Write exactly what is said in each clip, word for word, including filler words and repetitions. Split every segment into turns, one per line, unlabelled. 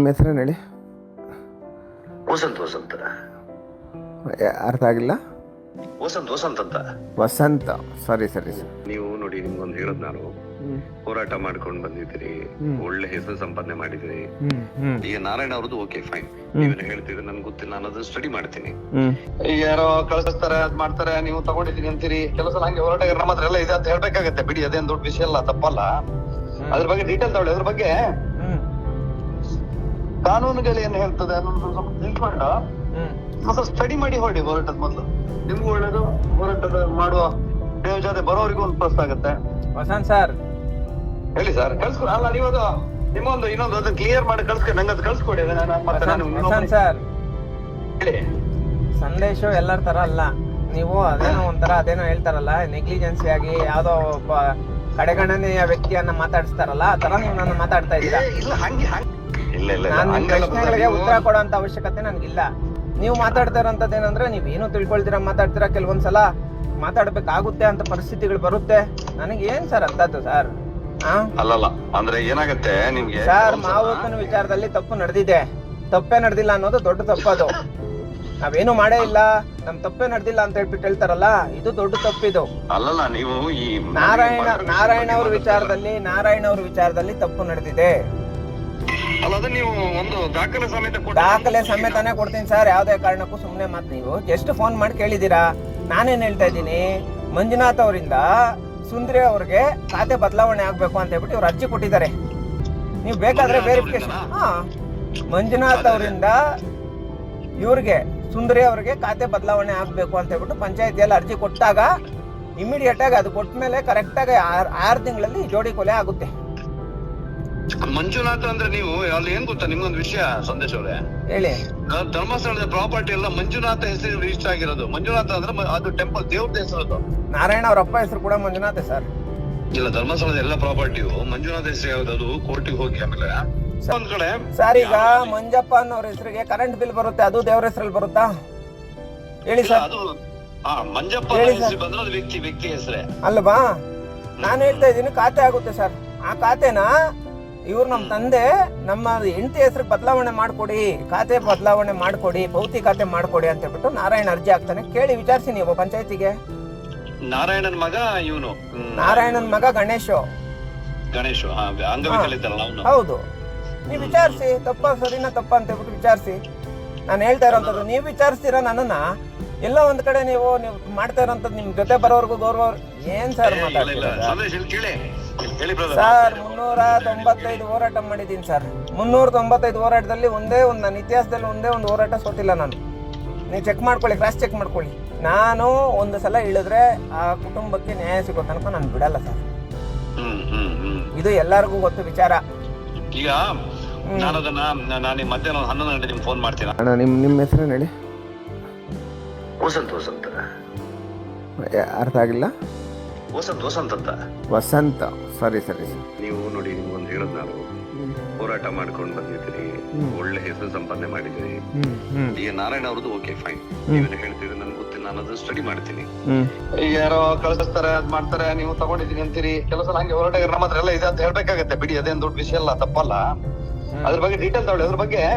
ನಿಮ್ಮ ಹೆಸರೇನು ಹೇಳಿ?
ವಸಂತ್ ವಸಂತ
ಯಾ- ಅರ್ಥ ಆಗಿಲ್ಲ.
ವಸಂತ್ ವಸಂತ್ ಅಂತ
ವಸಂತ, ಸರಿ ಸರಿ ಸರ್.
ನೀವು ನೋಡಿ, ನಿಮ್ಗೊಂದು ಹೇಳದ್ ನಾನು, ಹೋರಾಟ ಮಾಡ್ಕೊಂಡು ಬಂದಿದ್ದೀರಿ, ಒಳ್ಳೆ ಹೆಸರು ಸಂಪಾದನೆ ಮಾಡಿದಿರಿ. ಈಗ ನಾರಾಯಣ ಅವ್ರದ್ದು ಓಕೆ ಫೈನ್, ನೀವೇನು ಹೇಳ್ತಿದ್ರೆ ನನ್ಗೆ ಗೊತ್ತಿಲ್ಲ, ನಾನು ಅದನ್ನ ಸ್ಟಡಿ ಮಾಡ್ತೀನಿ. ಈಗ ಯಾರೋ ಕಳಿಸ್ತಾರೆ, ಅದ್ ಮಾಡ್ತಾರೆ, ನೀವು ತಗೊಂಡಿದ್ದೀನಿ ಅಂತೀರಿ. ಕೆಲವು ಸಲ ಹಂಗೆ ಹೋರಾಟಗಾರ ನಮ್ಮ ಹತ್ರ ಎಲ್ಲ ಇದೆ ಅಂತ ಹೇಳ್ಬೇಕಾಗತ್ತೆ, ಬಿಡಿ, ಅದೇನ್ ದೊಡ್ಡ ವಿಷಯ ಅಲ್ಲ, ತಪ್ಪಲ್ಲ. ಅದ್ರ ಬಗ್ಗೆ ಡೀಟೇಲ್ ತಗೊಳ್ಳಿ. ಅದ್ರ ಬಗ್ಗೆ ಕಾನೂನುಗಳು ಏನ್ ಹೇಳ್ತದೆ ಅನ್ನೋದು ಸ್ವಲ್ಪ ತಿಳ್ಕೊಂಡು ಮತ್ತೆ ಸ್ಟಡಿ ಮಾಡಿ ಹೊರಡಿ. ಹೋರಾಟದ ಮೊದಲು ನಿಮ್ಗೂ ಒಳ್ಳೇದು, ಹೋರಾಟದ ಮಾಡುವ ದೇವ ಜೊತೆ ಬರೋರಿಗೂ ಒಂದು ಪ್ಲಸ್ ಆಗುತ್ತೆ.
ವಸಂತ್ ಸರ್
ಹೇಳಿ ಸರ್, ಕಳ್ಸ್ಕೊಡಿ. ಅಲ್ಲ, ನೀವು ಅದು ನಿಮ್ಮೊಂದು ಇನ್ನೊಂದು ಅದನ್ನ ಕ್ಲಿಯರ್ ಮಾಡಿ ಕಳ್ಸ್ಕೊಡಿ, ನಂಗೆ ಅದು ಕಳ್ಸ್ಕೊಡಿ. ನಾನು ಮತ್ತೆ ನಾನು
ವಸಂತ್ ಸರ್,
ಹೇಳಿ.
ಸಂದೇಶ ಎಲ್ಲರ ತರ ಅಲ್ಲ. ನೀವು ಅದೇನೋ ಒಂಥರ ಅದೇನೋ ಹೇಳ್ತಾರಲ್ಲ, ನೆಗ್ಲಿಜೆನ್ಸಿ ಆಗಿ ಯಾವ್ದೋ ಒಬ್ಬ ಕಡೆಗಣನೆಯ ವ್ಯಕ್ತಿಯನ್ನ ಮಾತಾಡಿಸ್ತಾರಲ್ಲ, ಆ ತರ ನೀವು ನನ್ನ ಮಾತಾಡ್ತಾ ಇದ್ದೀರಾ.
ಇಲ್ಲ ಹಂಗೆ ಹಂಗೆ ಇಲ್ಲ ಇಲ್ಲ
ನಾನು ನಿಮ್
ಹಂಗಲ್ಲ
ಪ್ರಶ್ನೆಗಳಿಗೆ ಉತ್ತರ ಕೊಡೋಂತ ಅವಶ್ಯಕತೆ ನನ್ಗಿಲ್ಲ. ನೀವು ಮಾತಾಡ್ತಾ ಇರೋಂಥದ್ದು ಏನಂದ್ರೆ, ನೀವ್ ಏನು ತಿಳ್ಕೊಳ್ತೀರಾ ಮಾತಾಡ್ತೀರಾ, ಕೆಲವೊಂದ್ಸಲ ಮಾತಾಡ್ಬೇಕಾಗುತ್ತೆ ಅಂತ ಪರಿಸ್ಥಿತಿಗಳು ಬರುತ್ತೆ. ನನಗೆ ಏನ್ ಸರ್ ಅಂತದ್ದು ಸರ್?
ಅಲ್ಲಲ್ಲ, ಅಂದ್ರೆ ಏನಾಗತ್ತೆ ನಿಮ್ಗೆ
ಸರ್, ಮಾವಕ್ಕನ ವಿಚಾರದಲ್ಲಿ ತಪ್ಪು ನಡೆದಿದೆ. ತಪ್ಪೇ ನಡೆದಿಲ್ಲ ಅನ್ನೋದು ದೊಡ್ಡ ತಪ್ಪದು. ನಾವೇನು ಮಾಡೇ ಇಲ್ಲ, ನಮ್ ತಪ್ಪೇ ನಡೆದಿಲ್ಲ ಅಂತ ಹೇಳ್ಬಿಟ್ಟು ಹೇಳ್ತಾರಲ್ಲ, ಇದು ದೊಡ್ಡ ತಪ್ಪಿದು.
ಅಲ್ಲಲ್ಲ, ನೀವು ಈ
ನಾರಾಯಣ ನಾರಾಯಣ ಅವ್ರ ವಿಚಾರದಲ್ಲಿ ನಾರಾಯಣ ಅವ್ರ ವಿಚಾರದಲ್ಲಿ ತಪ್ಪು ನಡೆದಿದೆ.
ಅಲ್ಲ, ಅದು ನೀವು ಒಂದು ದಾಖಲೆ ಸಮೇತ ಕೊಟ್ಟು-
ದಾಖಲೆ ಸಮೇತನೇ ಕೊಡ್ತೀನಿ ಸರ್. ಯಾವ್ದೇ ಕಾರಣಕ್ಕೂ ಸುಮ್ನೆ ಮಾತು. ನೀವು ಜಸ್ಟ್ ಫೋನ್ ಮಾಡಿ ಕೇಳಿದೀರಾ. ನಾನೇನ್ ಹೇಳ್ತಾ ಇದ್ದೀನಿ, ಮಂಜುನಾಥ್ ಅವರಿಂದ ಸುಂದ್ರಿ ಅವ್ರಿಗೆ ಖಾತೆ ಬದಲಾವಣೆ ಆಗ್ಬೇಕು ಅಂತ ಹೇಳ್ಬಿಟ್ಟು ಇವ್ರು ಅರ್ಜಿ ಕೊಟ್ಟಿದ್ದಾರೆ. ನೀವು ಬೇಕಾದ್ರೆ ವೆರಿಫಿಕೇಶನ್. ಹಾ, ಮಂಜುನಾಥ್ ಅವರಿಂದ ಇವ್ರಿಗೆ ಸುಂದರಿ ಅವ್ರಿಗೆ ಖಾತೆ ಬದಲಾವಣೆ ಆಗ್ಬೇಕು ಅಂತ ಹೇಳ್ಬಿಟ್ಟು ಪಂಚಾಯತಿಯಲ್ಲಿ ಅರ್ಜಿ ಕೊಟ್ಟಾಗ ಇಮಿಡಿಯೇಟ್ ಆಗಿ ಅದು ಕೊಟ್ಟ ಮೇಲೆ ಕರೆಕ್ಟ್ ಆಗಿ ಆರು ತಿಂಗಳಲ್ಲಿ ಜೋಡಿ ಕೊಲೆ ಆಗುತ್ತೆ.
ಮಂಜುನಾಥ್ ಅಂದ್ರೆ ನೀವು ಅಲ್ಲಿ ಏನ್ ಗೊತ್ತಾ, ನಿಮ್ಗೊಂದು ವಿಷಯ ಸಂದೇಶ್ ಅವ್ರೆ,
ಹೇಳಿ.
ಧರ್ಮಸ್ಥಳದ ಪ್ರಾಪರ್ಟಿ ಎಲ್ಲ ಮಂಜುನಾಥ ಹೆಸರು ರಿಜಿಸ್ಟರ್ ಆಗಿರೋದು. ಮಂಜುನಾಥ ಅಂದ್ರೆ ಮ- ಅದು ಟೆಂಪಲ್ ದೇವ್ರದ ಹೆಸರು.
ನಾರಾಯಣ ಅವ್ರ ಅಪ್ಪ ಹೆಸರು ಕೂಡ ಮಂಜುನಾಥ್ ಸರ್.
ಇಲ್ಲ, ಧರ್ಮಸ್ಥಳದ ಎಲ್ಲ ಪ್ರಾಪರ್ಟಿಯು ಮಂಜುನಾಥ ಹೆಸರು ಯಾವ್ದು, ಅದು ಕೋರ್ಟಿಗೆ ಹೋಗಿ ಆಮೇಲೆ ಒಂದ್ ಕಡೆ
ಸರ್, ಈಗ ಮಂಜಪ್ಪ ಅನ್ನೋರ ಹೆಸರಿಗೆ ಕರೆಂಟ್ ಬಿಲ್ ಬರುತ್ತೆ, ಅದು ದೇವ್ರ ಹೆಸರಲ್ಲಿ ಬರುತ್ತಾ? ಹೇಳಿ
ಇಲ್ಲ,
ಸರ್.
ಅದು ಆ ಮಂಜಪ್ಪ
ಹೇಳಿ ಸರ್.
ಹೆಸರು ಬಂದ್ರೆ ಅದು ವ್ಯಕ್ತಿ ವ್ಯಕ್ತಿ ಹೆಸರೇ
ಅಲ್ವಾ? ನಾನು ಹೇಳ್ತಾ ಇದ್ದೀನಿ, ಖಾತೆ ಆಗುತ್ತೆ ಸರ್. ಆ ಖಾತೆನ ಇವ್ರು ನಮ್ಮ ತಂದೆ ನಮ್ಮ ಹೆಂಡತಿ ಹೆಸರಿಗೆ ಬದಲಾವಣೆ ಮಾಡ್ಕೊಡಿ, ಖಾತೆ ಬದಲಾವಣೆ ಮಾಡ್ಕೊಡಿ, ಭೌತಿ ಖಾತೆ ಮಾಡ್ಕೊಡಿ ಅಂತ ಹೇಳ್ಬಿಟ್ಟು ನಾರಾಯಣ ಅರ್ಜಿ ಹಾಕ್ತಾನೆ. ಕೇಳಿ ವಿಚಾರಿಸಿ ನೀವು ಪಂಚಾಯತಿಗೆ.
ನಾರಾಯಣನ್ ಮಗ ಇವನು,
ನಾರಾಯಣನ್ ಮಗ ಗಣೇಶ್
ಗಣೇಶ್ ಅಂಗವಿಕಲಿತಲ್ಲ ಅವನು.
ಹೌದು. ನೀವು ವಿಚಾರಿಸಿ, ತಪ್ಪ ಸರಿನಾ ತಪ್ಪ ಅಂತ ಹೇಳ್ಬಿಟ್ಟು ವಿಚಾರಿಸಿ. ನಾನು ಹೇಳ್ತಾ ಇರೋಂಥದ್ದು ನೀವು ವಿಚಾರಿಸ್ತೀರಾ ನನ್ನನ್ನ. ಎಲ್ಲ ಒಂದ್ ಕಡೆ ನೀವು ನೀವು ಮಾಡ್ತಾ ಇರೋಂಥದ್ದು ನಿಮ್ ಜೊತೆ ಬರೋರ್ಗು ಗೌರವ ಏನ್ ಸರ್ ಮಾತಾಡ್ತೀರಾ ಸರ್? ಮುನ್ನೂರ ತೊಂಬತ್ತೈದು ಹೋರಾಟ ಮಾಡಿದ್ದೀನಿ ಸರ್. ಮುನ್ನೂರ ತೊಂಬತ್ತೈದು ಹೋರಾಟದಲ್ಲಿ ಒಂದೇ ಒಂದು ನನ್ನ ಇತಿಹಾಸದಲ್ಲಿ ಒಂದೇ ಒಂದು ಹೋರಾಟ ಸೋತಿಲ್ಲ ನಾನು. ನೀವು ಚೆಕ್ ಮಾಡ್ಕೊಳ್ಳಿ, ಕ್ರಾಸ್ ಚೆಕ್ ಮಾಡ್ಕೊಳ್ಳಿ. ನಾನು ಒಂದು ಸಲ ಇಳಿದ್ರೆ ಆ ಕುಟುಂಬಕ್ಕೆ ನ್ಯಾಯ ಸಿಗೋ ತನಕ ನಾನು ಬಿಡಲ್ಲ ಸರ್. ಇದು ಎಲ್ಲರಿಗೂ ಗೊತ್ತು ವಿಚಾರ.
ಈಗ ನಾನು ಅದನ್ನ ನಾನು ಮಧ್ಯಾಹ್ನ ಹನ್ನೊಂದು ಗಂಟೆ ನಿಮ್ಗೆ ಫೋನ್ ಮಾಡ್ತೀನಿ.
ಅಣ್ಣ, ನಿಮ್ಮ ನಿಮ್ಮ ಹೆಸರೇನು ಹೇಳಿ?
ವಸಂತ್ ವಸಂತ
ಯಾ- ಅರ್ಥ ಆಗಿಲ್ಲ.
ವಸಂತ್ ವಸಂತ್ ಅಂತ
ವಸಂತ, ಸರಿ ಸರಿ ಸರ್.
ನೀವು ನೋಡಿ, ನಿಮ್ಗೊಂದು ಹೇಳದ್ ನಾನು, ಹೋರಾಟ ಮಾಡ್ಕೊಂಡು ಬಂದಿದ್ದೀರಿ, ಒಳ್ಳೆ ಹೆಸರು ಸಂಪಾದನೆ ಮಾಡಿದಿರಿ. ಈಗ ನಾರಾಯಣ ಅವ್ರದ್ದು ಓಕೆ ಫೈನ್, ನೀವೇನು ಹೇಳ್ತಿದ್ರೆ ನನ್ಗೆ ಗೊತ್ತಿಲ್ಲ, ನಾನು ಅದನ್ನ ಸ್ಟಡಿ ಮಾಡ್ತೀನಿ. ಈಗ ಯಾರೋ ಕಳಿಸ್ತಾರೆ, ಅದ್ ಮಾಡ್ತಾರೆ, ನೀವು ತಗೊಂಡಿದ್ದೀನಿ ಅಂತೀರಿ. ಕೆಲವು ಸಲ ಹಂಗೆ ಹೋರಾಟಗಾರ ನಮ್ಮ ಹತ್ರ ಎಲ್ಲ ಇದೆ ಅಂತ ಹೇಳ್ಬೇಕಾಗತ್ತೆ, ಬಿಡಿ, ಅದೇನ್ ದೊಡ್ಡ ವಿಷಯ ಅಲ್ಲ, ತಪ್ಪಲ್ಲ. ಅದ್ರ ಬಗ್ಗೆ ಡೀಟೇಲ್ ತಗೊಳ್ಳಿ. ಅದ್ರ ಬಗ್ಗೆ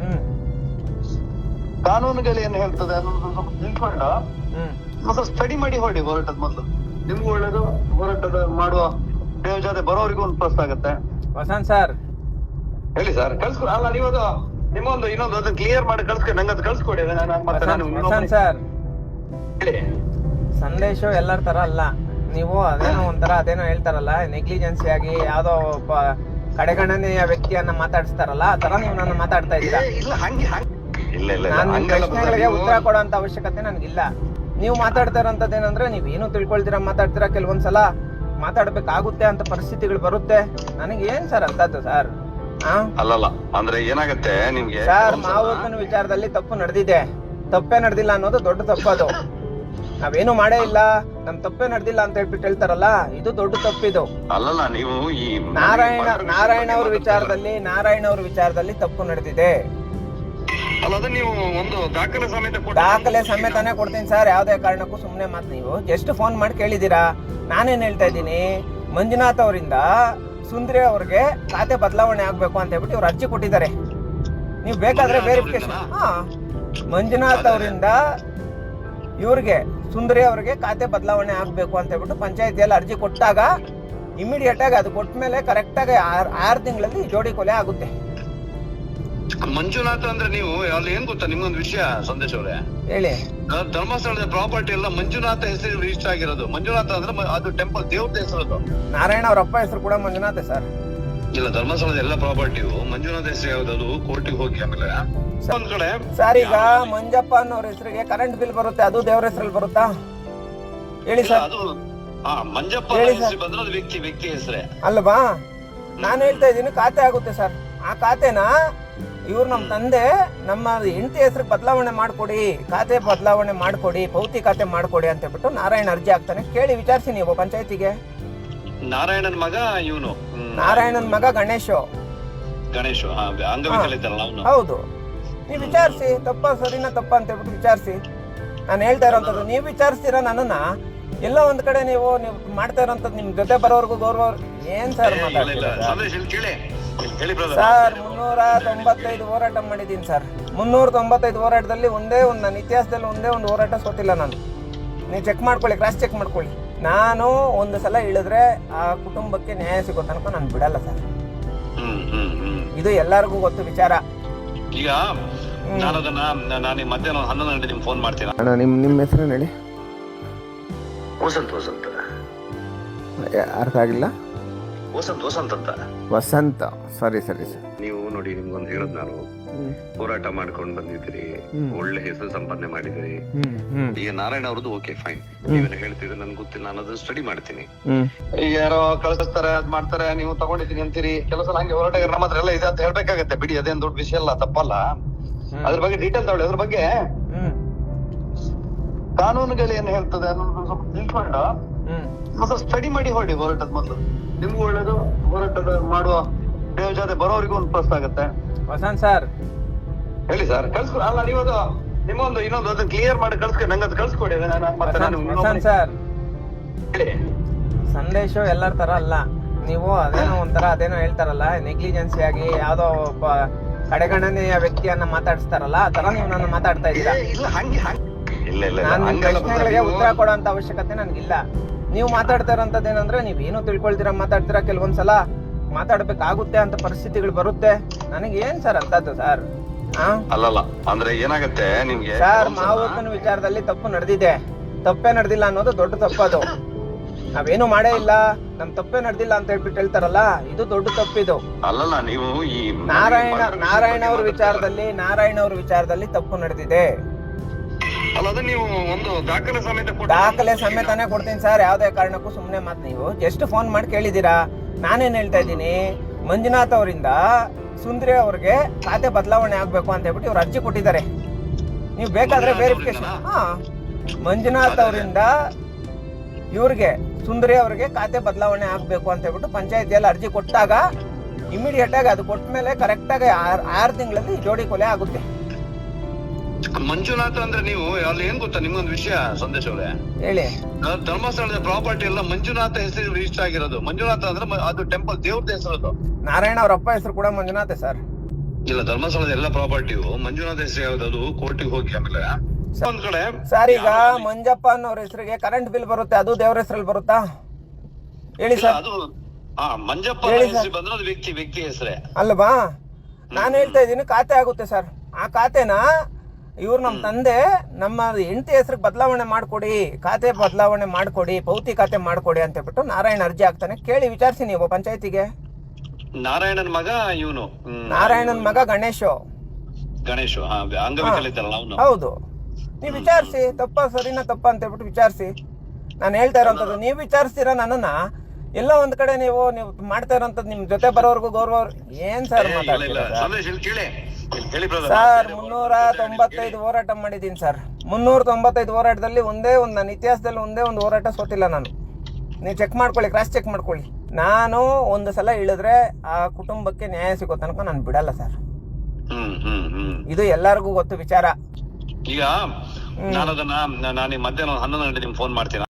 ಕಾನೂನುಗಳು ಏನ್ ಹೇಳ್ತದೆ ಅನ್ನೋದು ಸ್ವಲ್ಪ ತಿಳ್ಕೊಂಡು ಮತ್ತೆ ಸ್ಟಡಿ ಮಾಡಿ ಹೊರಡಿ. ಹೋರಾಟದ ಮೊದಲು ನಿಮ್ಗೂ ಒಳ್ಳೇದು, ಹೋರಾಟದ ಮಾಡುವ ದೇವ ಜೊತೆ ಬರೋರಿಗೂ ಒಂದು ಪ್ಲಸ್ ಆಗುತ್ತೆ.
ವಸಂತ್ ಸರ್,
ಹೇಳಿ ಸರ್, ಕಳ್ಸ್ಕೊಡಿ. ಅಲ್ಲ, ನೀವು ಅದು ನಿಮ್ಮೊಂದು ಇನ್ನೊಂದು ಅದನ್ನ ಕ್ಲಿಯರ್ ಮಾಡಿ ಕಳ್ಸ್ಕೊಡಿ, ನಂಗೆ ಅದು ಕಳ್ಸ್ಕೊಡಿ. ನಾನು ಮತ್ತೆ ನಾನು
ವಸಂತ್ ಸರ್,
ಹೇಳಿ.
ಸಂದೇಶ ಎಲ್ಲರ ತರ ಅಲ್ಲ. ನೀವು ಅದೇನೋ ಒಂಥರ ಅದೇನೋ ಹೇಳ್ತಾರಲ್ಲ, ನೆಗ್ಲಿಜೆನ್ಸಿ ಆಗಿ ಯಾವ್ದೋ ಒಬ್ಬ ಕಡೆಗಣನೆಯ ವ್ಯಕ್ತಿಯನ್ನ ಮಾತಾಡಿಸ್ತಾರಲ್ಲ, ಆ ತರ ನೀವು ನನ್ನ ಮಾತಾಡ್ತಾ ಇದ್ದೀರಾ.
ಇಲ್ಲ ಹಂಗೆ ಹಂಗೆ ಇಲ್ಲ ಇಲ್ಲ
ನಾನು ನಿಮ್ ಪ್ರಶ್ನೆಗಳಿಗೆ ಉತ್ತರ ಕೊಡೋಂತ ಅವಶ್ಯಕತೆ ನನ್ಗಿಲ್ಲ. ನೀವು ಮಾತಾಡ್ತಾ ಇರೋಂಥದ್ದು ಏನಂದ್ರೆ, ನೀವ್ ಏನು ತಿಳ್ಕೊಳ್ತೀರಾ ಮಾತಾಡ್ತೀರಾ, ಕೆಲವೊಂದ್ಸಲ ಮಾತಾಡ್ಬೇಕಾಗುತ್ತೆ ಅಂತ ಪರಿಸ್ಥಿತಿಗಳು ಬರುತ್ತೆ. ನನಗೆ ಏನ್ ಸರ್ ಅಂತದ್ದು ಸರ್?
ಅಲ್ಲಲ್ಲ, ಅಂದ್ರೆ ಏನಾಗತ್ತೆ ನಿಮ್ಗೆ
ಸರ್, ಮಾವಕ್ಕನ ವಿಚಾರದಲ್ಲಿ ತಪ್ಪು ನಡೆದಿದೆ. ತಪ್ಪೇ ನಡೆದಿಲ್ಲ ಅನ್ನೋದು ದೊಡ್ಡ ತಪ್ಪದು. ನಾವೇನು ಮಾಡೇ ಇಲ್ಲ, ನಮ್ ತಪ್ಪೇ ನಡೆದಿಲ್ಲ ಅಂತ ಹೇಳ್ಬಿಟ್ಟು ಹೇಳ್ತಾರಲ್ಲ, ಇದು ದೊಡ್ಡ ತಪ್ಪಿದು.
ಅಲ್ಲಲ್ಲ, ನೀವು ಈ
ನಾರಾಯಣ ನಾರಾಯಣ ಅವ್ರ ವಿಚಾರದಲ್ಲಿ ನಾರಾಯಣ ಅವ್ರ ವಿಚಾರದಲ್ಲಿ ತಪ್ಪು ನಡೆದಿದೆ.
ಅಲ್ಲ, ಅದು ನೀವು ಒಂದು ದಾಖಲೆ ಸಮೇತ ಕೊಟ್ಟು-
ದಾಖಲೆ ಸಮೇತನೇ ಕೊಡ್ತೀನಿ ಸರ್. ಯಾವ್ದೇ ಕಾರಣಕ್ಕೂ ಸುಮ್ನೆ ಮಾತು. ನೀವು ಜಸ್ಟ್ ಫೋನ್ ಮಾಡಿ ಕೇಳಿದೀರಾ. ನಾನೇನ್ ಹೇಳ್ತಾ ಇದ್ದೀನಿ, ಮಂಜುನಾಥ್ ಅವರಿಂದ ಸುಂದರಿ ಅವ್ರಿಗೆ ಖಾತೆ ಬದಲಾವಣೆ ಆಗ್ಬೇಕು ಅಂತ ಹೇಳ್ಬಿಟ್ಟು ಇವ್ರು ಅರ್ಜಿ ಕೊಟ್ಟಿದ್ದಾರೆ. ನೀವು ಬೇಕಾದ್ರೆ ವೆರಿಫಿಕೇಶನ್ ಹಾ ಮಂಜುನಾಥ್ ಅವರಿಂದ ಇವ್ರಿಗೆ ಸುಂದರಿ ಅವ್ರಿಗೆ ಖಾತೆ ಬದಲಾವಣೆ ಆಗ್ಬೇಕು ಅಂತ ಹೇಳ್ಬಿಟ್ಟು ಪಂಚಾಯತಿಯಲ್ಲಿ ಅರ್ಜಿ ಕೊಟ್ಟಾಗ ಇಮಿಡಿಯೇಟ್ ಆಗಿ ಅದು ಕೊಟ್ಟ ಮೇಲೆ ಕರೆಕ್ಟ್ ಆಗಿ ಆರ್ ಆರು ತಿಂಗಳಲ್ಲಿ ಜೋಡಿ ಕೊಲೆ ಆಗುತ್ತೆ.
ಮಂಜುನಾಥ ಅಂದ್ರೆ ನೀವು ಅಲ್ಲಿ ಏನ್ ಗೊತ್ತಾ ನಿಮ್ಗೊಂದು ವಿಷಯ ಸಂದೇಶ್ ಅವರೇ,
ಹೇಳಿ.
ಧರ್ಮಸ್ಥಳದ ಪ್ರಾಪರ್ಟಿ ಎಲ್ಲ ಮಂಜುನಾಥ ಹೆಸರು ರಿಜಿಸ್ಟರ್ ಆಗಿರೋದು. ಮಂಜುನಾಥ ಅಂದ್ರೆ ಮ- ಅದು ಟೆಂಪಲ್ ದೇವ್ರದ ಹೆಸರು.
ನಾರಾಯಣ ಅವ್ರ ಅಪ್ಪ ಹೆಸರು ಕೂಡ ಮಂಜುನಾಥ್ ಸರ್.
ಇಲ್ಲ, ಧರ್ಮಸ್ಥಳದ ಎಲ್ಲ ಪ್ರಾಪರ್ಟಿಯು ಮಂಜುನಾಥ ಹೆಸರು ಯಾವ್ದು, ಅದು ಕೋರ್ಟಿಗೆ ಹೋಗಿ ಆಮೇಲೆ ಒಂದ್ ಕಡೆ
ಸರ್ ಈಗ ಮಂಜಪ್ಪ ಅನ್ನೋರ ಹೆಸರಿಗೆ ಕರೆಂಟ್ ಬಿಲ್ ಬರುತ್ತೆ, ಅದು ದೇವ್ರ ಹೆಸರಲ್ಲಿ ಬರುತ್ತಾ ಹೇಳಿ
ಇಲ್ಲ,
ಸರ್?
ಅದು ಹಾ ಮಂಜಪ್ಪ
ಹೇಳಿ
ಹೆಸರು
ಸರ್.
ಬಂದ್ರೆ ಅದು ವ್ಯಕ್ತಿ ವ್ಯಕ್ತಿ ಹೆಸರೇ
ಅಲ್ವಾ? ನಾನು ಹೇಳ್ತಾ ಇದ್ದೀನಿ ಖಾತೆ ಆಗುತ್ತೆ ಸರ್. ಆ ಖಾತೆನ ಇವ್ರು ನಮ್ಮ ತಂದೆ ನಮ್ಮ ಹೆಂಡತಿ ಹೆಸರು ಬದಲಾವಣೆ ಮಾಡ್ಕೊಡಿ, ಖಾತೆ ಬದಲಾವಣೆ ಮಾಡ್ಕೊಡಿ, ಪೌತಿ ಖಾತೆ ಮಾಡ್ಕೊಡಿ ಅಂತ ಹೇಳ್ಬಿಟ್ಟು ನಾರಾಯಣ ಅರ್ಜಿ ಹಾಕ್ತಾನೆ. ಕೇಳಿ ವಿಚಾರಿಸಿ ನೀವು ಪಂಚಾಯತಿಗೆ.
ನಾರಾಯಣನ್ ಮಗ ಇವನು
ನಾರಾಯಣನ್ ಮಗ ಗಣೇಶು.
ಗಣೇಶ್ ಅಂಗವಿಕಲಿತಲ್ಲ ಅವನು.
ಹೌದು, ನೀವು ವಿಚಾರಿಸಿ ತಪ್ಪ ಸರಿನಾ ತಪ್ಪ ಅಂತ ಹೇಳ್ಬಿಟ್ಟು ವಿಚಾರಿಸಿ. ನಾನು ಹೇಳ್ತಾ ಇರೋಂಥದ್ದು ನೀವು ವಿಚಾರಿಸ್ತೀರಾ ನನ್ನನ್ನ. ಎಲ್ಲ ಒಂದ್ ಕಡೆ ನೀವು ನೀವು ಮಾಡ್ತಾ ಇರೋಂಥದ್ದು ನಿಮ್ ಜೊತೆ ಬರೋರ್ಗು ಗೌರವ ಏನ್ ಸರ್ ಮಾತಾಡ್ತೀರಾ ಸರ್? ಮುನ್ನೂರ ತೊಂಬತ್ತೈದು ಹೋರಾಟ ಮಾಡಿದ್ದೀನಿ ಸರ್. ಮುನ್ನೂರ ತೊಂಬತ್ತೈದು ಹೋರಾಟದಲ್ಲಿ ಒಂದೇ ಒಂದು ನನ್ನ ಇತಿಹಾಸದಲ್ಲಿ ಒಂದೇ ಒಂದು ಹೋರಾಟ ಸೋತಿಲ್ಲ ನಾನು. ನೀವು ಚೆಕ್ ಮಾಡ್ಕೊಳ್ಳಿ, ಕ್ರಾಸ್ ಚೆಕ್ ಮಾಡ್ಕೊಳ್ಳಿ. ನಾನು ಒಂದು ಸಲ ಇಳಿದ್ರೆ ಆ ಕುಟುಂಬಕ್ಕೆ ನ್ಯಾಯ ಸಿಗೋ ತನಕ ನಾನು ಬಿಡಲ್ಲ ಸರ್. ಇದು ಎಲ್ಲರಿಗೂ ಗೊತ್ತು ವಿಚಾರ.
ಈಗ ನಾನು ಅದನ್ನ ನಾನು ಮಧ್ಯಾಹ್ನ ಹನ್ನೊಂದು ಗಂಟೆ ನಿಮ್ಗೆ ಫೋನ್ ಮಾಡ್ತೀನಿ.
ಅಣ್ಣ ನಿಮ್ಮ ನಿಮ್ಮ ಹೆಸರೇನು ಹೇಳಿ?
ವಸಂತ್ ವಸಂತ್
ಯಾ- ಅರ್ಥ ಆಗಿಲ್ಲ.
ವಸಂತ್ ವಸಂತ್ ಅಂತ.
ವಸಂತ, ಸರಿ ಸರಿ ಸರ್.
ನೀವು ನೋಡಿ, ನಿಮ್ಗೊಂದು ಹೇಳೋದು ನಾನು ಹೋರಾಟ ಮಾಡ್ಕೊಂಡು ಬಂದಿದ್ದೀರಿ, ಒಳ್ಳೆ ಹೆಸರು ಸಂಪಾದನೆ ಮಾಡಿದಿರಿ. ಈಗ ನಾರಾಯಣ ಅವ್ರದ್ದು ಓಕೆ ಫೈನ್, ನೀವೇನು ಹೇಳ್ತಿದ್ರೆ ನನ್ಗೆ ಗೊತ್ತಿಲ್ಲ, ನಾನು ಅದನ್ನ ಸ್ಟಡಿ ಮಾಡ್ತೀನಿ. ಈಗ ಯಾರೋ ಕಳಿಸ್ತಾರೆ, ಅದ್ ಮಾಡ್ತಾರೆ, ನೀವು ತಗೊಂಡಿದ್ದೀನಿ ಅಂತೀರಿ. ಕೆಲವು ಸಲ ಹಂಗೆ ಹೋರಾಟಗಾರ ನಮ್ಮ ಹತ್ರ ಎಲ್ಲ ಇದೆ ಅಂತ ಹೇಳ್ಬೇಕಾಗತ್ತೆ. ಬಿಡಿ, ಅದೇನ್ ದೊಡ್ಡ ವಿಷಯ ಅಲ್ಲ, ತಪ್ಪಲ್ಲ. ಅದ್ರ ಬಗ್ಗೆ ಡೀಟೇಲ್ ತಗೊಳ್ಳಿ. ಅದ್ರ ಬಗ್ಗೆ ಕಾನೂನುಗಳು ಏನ್ ಹೇಳ್ತದೆ ಅನ್ನೋದು ಸ್ವಲ್ಪ ತಿಳ್ಕೊಂಡು ಮತ್ತೆ ಸ್ಟಡಿ ಮಾಡಿ ಹೊರಡಿ ಹೋರಾಟದ ಮೊದಲು. ನಿಮ್ಗೂ ಒಳ್ಳೇದು, ಹೋರಾಟದ ಮಾಡುವ ದೇವ್ ಜೊತೆ ಬರೋರಿಗೂ ಒಂದು ಪ್ಲಸ್ ಆಗುತ್ತೆ.
ವಸಂತ್ ಸರ್
ಹೇಳಿ ಸರ್, ಕಳ್ಸ್ಕೊ. ಅಲ್ಲ, ನೀವದು ನಿಮ್ಮೊಂದು ಇನ್ನೊಂದು ಅದನ್ನ ಕ್ಲಿಯರ್ ಮಾಡಿ ಕಳ್ಸ್ಕೊ, ನಂಗೆ ಅದು ಕಳ್ಸ್ಕೊಡಿ. ನಾನು ಮತ್ತೆ ನಾನು
ವಸಂತ್ ಸರ್,
ಹೇಳಿ.
ಸಂದೇಶ ಎಲ್ಲರ ತರ ಅಲ್ಲ. ನೀವು ಅದೇನೋ ಒಂಥರ ಅದೇನೋ ಹೇಳ್ತಾರಲ್ಲ, ನೆಗ್ಲಿಜೆನ್ಸಿ ಆಗಿ ಯಾವ್ದೋ ಒಬ್ಬ ಕಡೆಗಣನೆಯ ವ್ಯಕ್ತಿಯನ್ನ ಮಾತಾಡಿಸ್ತಾರಲ್ಲ, ಆ ತರ ನೀವು ನನ್ನ ಮಾತಾಡ್ತಾ ಇದ್ದೀರಾ.
ಏ, ಇಲ್ಲ ಹಂಗೆ ಹಂಗೆ ಇಲ್ಲ ಇಲ್ಲ
ನಾನು ನಿಮ್
ಹಂಗಲ್ಲ
ಪ್ರಶ್ನೆಗಳಿಗೆ
ನೀವು-
ಉತ್ತರ ಕೊಡೋಂತ ಅವಶ್ಯಕತೆ ನನ್ಗಿಲ್ಲ. ನೀವು ಮಾತಾಡ್ತಾ ಇರೋಂಥದ್ದು ಏನಂದ್ರೆ ನೀವ್ ಏನು ತಿಳ್ಕೊಳ್ತೀರಾ ಮಾತಾಡ್ತೀರಾ. ಕೆಲವೊಂದ್ಸಲ ಮಾತಾಡ್ಬೇಕಾಗುತ್ತೆ ಅಂತ ಪರಿಸ್ಥಿತಿಗಳು ಬರುತ್ತೆ. ನನಗೆ ಏನ್ ಸರ್ ಅಂತದ್ದು ಸರ್?
ಅಲ್ಲಲ್ಲ, ಅಂದ್ರೆ ಏನಾಗತ್ತೆ ನಿಮ್ಗೆ
ಸರ್, ಮಾವೂತನ ವಿಚಾರದಲ್ಲಿ ತಪ್ಪು ನಡೆದಿದೆ. ತಪ್ಪೇ ನಡೆದಿಲ್ಲ ಅನ್ನೋದು ದೊಡ್ಡ ತಪ್ಪದು. ನಾವೇನು ಮಾಡೇ ಇಲ್ಲ, ನಮ್ ತಪ್ಪೇ ನಡೆದಿಲ್ಲ ಅಂತ ಹೇಳ್ಬಿಟ್ಟು ಹೇಳ್ತಾರಲ್ಲ, ಇದು ದೊಡ್ಡ ತಪ್ಪಿದು.
ಅಲ್ಲಲ್ಲ, ನೀವು ಈ
ನಾರಾಯಣ ನಾರಾಯಣ ಅವ್ರ ವಿಚಾರದಲ್ಲಿ ನಾರಾಯಣ ಅವ್ರ ವಿಚಾರದಲ್ಲಿ ತಪ್ಪು ನಡೆದಿದೆ.
ಅಲ್ಲ, ಅದು ನೀವು ಒಂದು ದಾಖಲೆ ಸಮೇತ ಕೊಟ್ಟು-
ದಾಖಲೆ ಸಮೇತನೇ ಕೊಡ್ತೀನಿ ಸರ್. ಯಾವ್ದೇ ಕಾರಣಕ್ಕೂ ಸುಮ್ನೆ ಮಾತು ನೀವು ಜಸ್ಟ್ ಫೋನ್ ಮಾಡಿ ಕೇಳಿದೀರಾ. ನಾನೇನ್ ಹೇಳ್ತಾ ಇದ್ದೀನಿ, ಮಂಜುನಾಥ್ ಅವರಿಂದ ಸುಂದರಿ ಅವ್ರಿಗೆ ಖಾತೆ ಬದಲಾವಣೆ ಆಗ್ಬೇಕು ಅಂತ ಹೇಳ್ಬಿಟ್ಟು ಇವ್ರು ಅರ್ಜಿ ಕೊಟ್ಟಿದ್ದಾರೆ. ನೀವು ಬೇಕಾದ್ರೆ ವೆರಿಫಿಕೇಶನ್ ಹಾ ಮಂಜುನಾಥ್ ಅವರಿಂದ ಇವ್ರಿಗೆ ಸುಂದರಿ ಅವ್ರಿಗೆ ಖಾತೆ ಬದಲಾವಣೆ ಆಗ್ಬೇಕು ಅಂತ ಹೇಳ್ಬಿಟ್ಟು ಪಂಚಾಯತಿಯಲ್ಲಿ ಅರ್ಜಿ ಕೊಟ್ಟಾಗ ಇಮಿಡಿಯೇಟ್ ಆಗಿ ಅದು ಕೊಟ್ಟ ಮೇಲೆ ಕರೆಕ್ಟ್ ಆಗಿ ಆರ್ ಆರು ತಿಂಗಳಲ್ಲಿ ಜೋಡಿ ಕೊಲೆ ಆಗುತ್ತೆ.
ಮಂಜುನಾಥ ಅಂದ್ರೆ ನೀವು ಅಲ್ಲಿ ಏನ್ ಗೊತ್ತಾ ನಿಮ್ಗೊಂದು ವಿಷಯ ಸಂದೇಶ್ ಅವರೇ,
ಹೇಳಿ.
ಧರ್ಮಸ್ಥಳದ ಪ್ರಾಪರ್ಟಿ ಎಲ್ಲ ಮಂಜುನಾಥ ಹೆಸರು ರಿಜಿಸ್ಟರ್ ಆಗಿರೋದು. ಮಂಜುನಾಥ ಅಂದ್ರೆ ಮ- ಅದು ಟೆಂಪಲ್ ದೇವ್ರದ ಹೆಸರು.
ನಾರಾಯಣ ಅವ್ರ ಅಪ್ಪ ಹೆಸರು ಕೂಡ ಮಂಜುನಾಥ್ ಸರ್.
ಇಲ್ಲ, ಧರ್ಮಸ್ಥಳದ ಎಲ್ಲ ಪ್ರಾಪರ್ಟಿಯು ಮಂಜುನಾಥ ಹೆಸರು ಯಾವ್ದು, ಅದು ಕೋರ್ಟಿಗೆ ಹೋಗಿ ಆಮೇಲೆ ಒಂದ್ ಕಡೆ
ಸರ್ ಈಗ ಮಂಜಪ್ಪ ಅನ್ನೋರ ಹೆಸರಿಗೆ ಕರೆಂಟ್ ಬಿಲ್ ಬರುತ್ತೆ, ಅದು ದೇವ್ರ ಹೆಸರಲ್ಲಿ ಬರುತ್ತಾ ಹೇಳಿ
ಇಲ್ಲ,
ಸರ್?
ಅದು ಹಾ ಮಂಜಪ್ಪ
ಹೇಳಿ ಸರ್.
ಹೆಸರು ಬಂದ್ರೆ ಅದು ವ್ಯಕ್ತಿ ವ್ಯಕ್ತಿ ಹೆಸರೇ
ಅಲ್ವಾ? ನಾನು ಹೇಳ್ತಾ ಇದ್ದೀನಿ ಖಾತೆ ಆಗುತ್ತೆ ಸರ್. ಆ ಖಾತೆನ ಇವ್ರು ನಮ್ಮ ತಂದೆ ನಮ್ಮ ಹೆಂಡತಿ ಹೆಸರಿಗೆ ಬದಲಾವಣೆ ಮಾಡ್ಕೊಡಿ, ಖಾತೆ ಬದಲಾವಣೆ ಮಾಡ್ಕೊಡಿ, ಪೌತಿ ಖಾತೆ ಮಾಡ್ಕೊಡಿ ಅಂತ ಹೇಳ್ಬಿಟ್ಟು ನಾರಾಯಣ ಅರ್ಜಿ ಹಾಕ್ತಾನೆ. ಕೇಳಿ ವಿಚಾರಿಸಿ ನೀವು ಪಂಚಾಯತಿಗೆ.
ನಾರಾಯಣನ್ ಮಗ ಇವನು
ನಾರಾಯಣನ್ ಮಗ ಗಣೇಶು.
ಗಣೇಶ್ ಅಂಗವಿಕಲಿತಲ್ಲ ಅವನು.
ಹೌದು, ನೀವು ವಿಚಾರಿಸಿ ತಪ್ಪ ಸರಿನಾ ತಪ್ಪ ಅಂತ ಹೇಳ್ಬಿಟ್ಟು ವಿಚಾರಿಸಿ. ನಾನು ಹೇಳ್ತಾ ಇರೋಂಥದ್ದು ನೀವು ವಿಚಾರಿಸ್ತೀರಾ ನನ್ನನ್ನ. ಎಲ್ಲ ಒಂದ್ ಕಡೆ ನೀವು ನೀವು ಮಾಡ್ತಾ ಇರೋಂಥದ್ದು ನಿಮ್ ಜೊತೆ ಬರೋರ್ಗು ಗೌರವ ಏನ್ ಸರ್ ಮಾತಾಡ್ತೀರಾ ಸರ್? ಮುನ್ನೂರ ತೊಂಬತ್ತೈದು ಹೋರಾಟ ಮಾಡಿದ್ದೀನಿ ಸರ್. ಮುನ್ನೂರ ತೊಂಬತ್ತೈದು ಹೋರಾಟದಲ್ಲಿ ಒಂದೇ ಒಂದು ನನ್ನ ಇತಿಹಾಸದಲ್ಲಿ ಒಂದೇ ಒಂದು ಹೋರಾಟ ಸೋತಿಲ್ಲ ನಾನು. ನೀವು ಚೆಕ್ ಮಾಡ್ಕೊಳ್ಳಿ, ಕ್ರಾಸ್ ಚೆಕ್ ಮಾಡ್ಕೊಳ್ಳಿ. ನಾನು ಒಂದು ಸಲ ಇಳಿದ್ರೆ ಆ ಕುಟುಂಬಕ್ಕೆ ನ್ಯಾಯ ಸಿಗೋ ತನಕ ನಾನು ಬಿಡಲ್ಲ ಸರ್. ಇದು ಎಲ್ಲರಿಗೂ ಗೊತ್ತು ವಿಚಾರ.
ಈಗ ನಾನು ಅದನ್ನ ನಾನು ಮಧ್ಯಾಹ್ನ ಹನ್ನೊಂದು ಗಂಟೆ ನಿಮ್ಗೆ ಫೋನ್ ಮಾಡ್ತೀನಿ.